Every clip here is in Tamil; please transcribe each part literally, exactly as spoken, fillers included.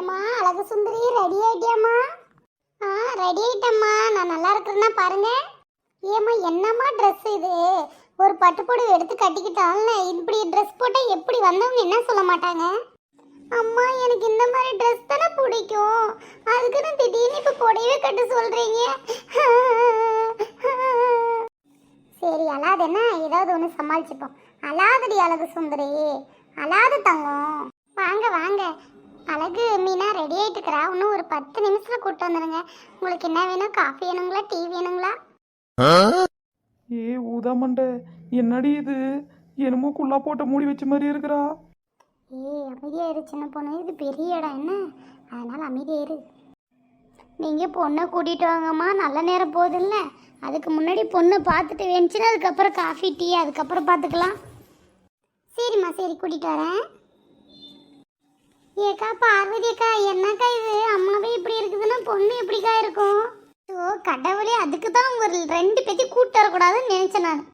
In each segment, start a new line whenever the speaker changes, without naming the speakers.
ஏம்மா அழகு சுந்தரி ரெடி ஆயிட்டியாம்மா? ஆ ரெடி ஆயிட்டம்மா. நான் நல்லா இருக்கிறேன்னா பாருங்க. ஏம்மா என்னம்மா ட்ரெஸ் இது? ஒரு பட்டுப்புடவை எடுத்து கட்டிக்கிட்டால இப்படி ட்ரெஸ் போட்டால் எப்படி வந்தவங்க என்ன சொல்ல மாட்டாங்க? அம்மா எனக்கு இந்த மாதிரி ட்ரெஸ் தானே பிடிக்கும். அதுக்குன்னு திடீர்னு இப்போ புடவை கட்ட சொல்கிறீங்க. சரி அழாதுன்னா ஏதாவது ஒன்று சமாளிச்சுப்போம். அழாதடி அழகு சுந்தரி, அழாது தங்கம். வாங்க வாங்க. அழகு மீனா ரெடி ஆகிட்டு இருக்கிறா. இன்னும் ஒரு பத்து நிமிஷத்தில் கூப்பிட்டு வந்துடுங்க. உங்களுக்கு என்ன வேணும்? காஃபி வேணுங்களா, டீ வேணுங்களா?
ஏ ஊதாமண்டை, என்னடி இது? என்னமோ குள்ளா போட்ட மூடி வச்ச மாதிரி இருக்கிறா.
ஏய் அமைதியாயிரு சின்ன பொண்ணு, இது பெரிய இடம் என்ன, அதனால் அமைதியாயிரு. நீங்கள் பொண்ணை கூட்டிகிட்டு வாங்கம்மா, நல்ல நேரம் போகுதுல்ல. அதுக்கு முன்னாடி பொண்ணை பார்த்துட்டு வேணுச்சுன்னா அதுக்கப்புறம் காஃபி டீ அதுக்கப்புறம் பார்த்துக்கலாம். சரிம்மா சரி கூட்டிகிட்டு வரேன். ஏக்கா பார்வதி அக்கா, என்னக்கா இது? அம்மாவே இப்படி இருக்குதுன்னா பொண்ணு எப்படிக்கா இருக்கும்? ஓ கடவுளே, அதுக்கு தான் ஒரு ரெண்டு பேத்தி கூட்டு வரக்கூடாதுன்னு நினைச்சேன் நான்.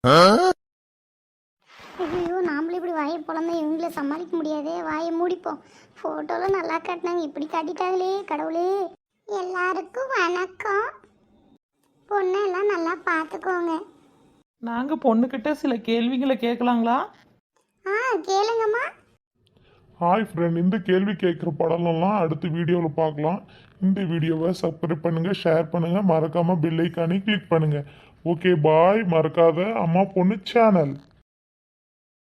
ஐயோ நாமளும் இப்படி வாயை பிறந்தா இவங்கள சமாளிக்க முடியாதே. வாயை மூடிப்போம். ஃபோட்டோலாம் நல்லா காட்டினாங்க, இப்படி காட்டிட்டாங்களே கடவுளே. எல்லாருக்கும் வணக்கம். பொண்ணெல்லாம் நல்லா பார்த்துக்கோங்க.
நாங்கள் பொண்ணுக்கிட்ட சில கேள்விகளை கேட்கலாங்களா?
ஆ கேளுங்கம்மா.
ஹாய் ஃப்ரெண்ட், இந்த கேள்வி கேட்குற படம்லாம் அடுத்த வீடியோவில் பார்க்கலாம். இந்த வீடியோவை சப்ஸ்கிரைப் பண்ணுங்கள், ஷேர் பண்ணுங்கள், மறக்காமல் பெல் ஐக்கானை கிளிக் பண்ணுங்கள். Okay bye. மறக்காத அம்மா பொண்ணு சேனல்.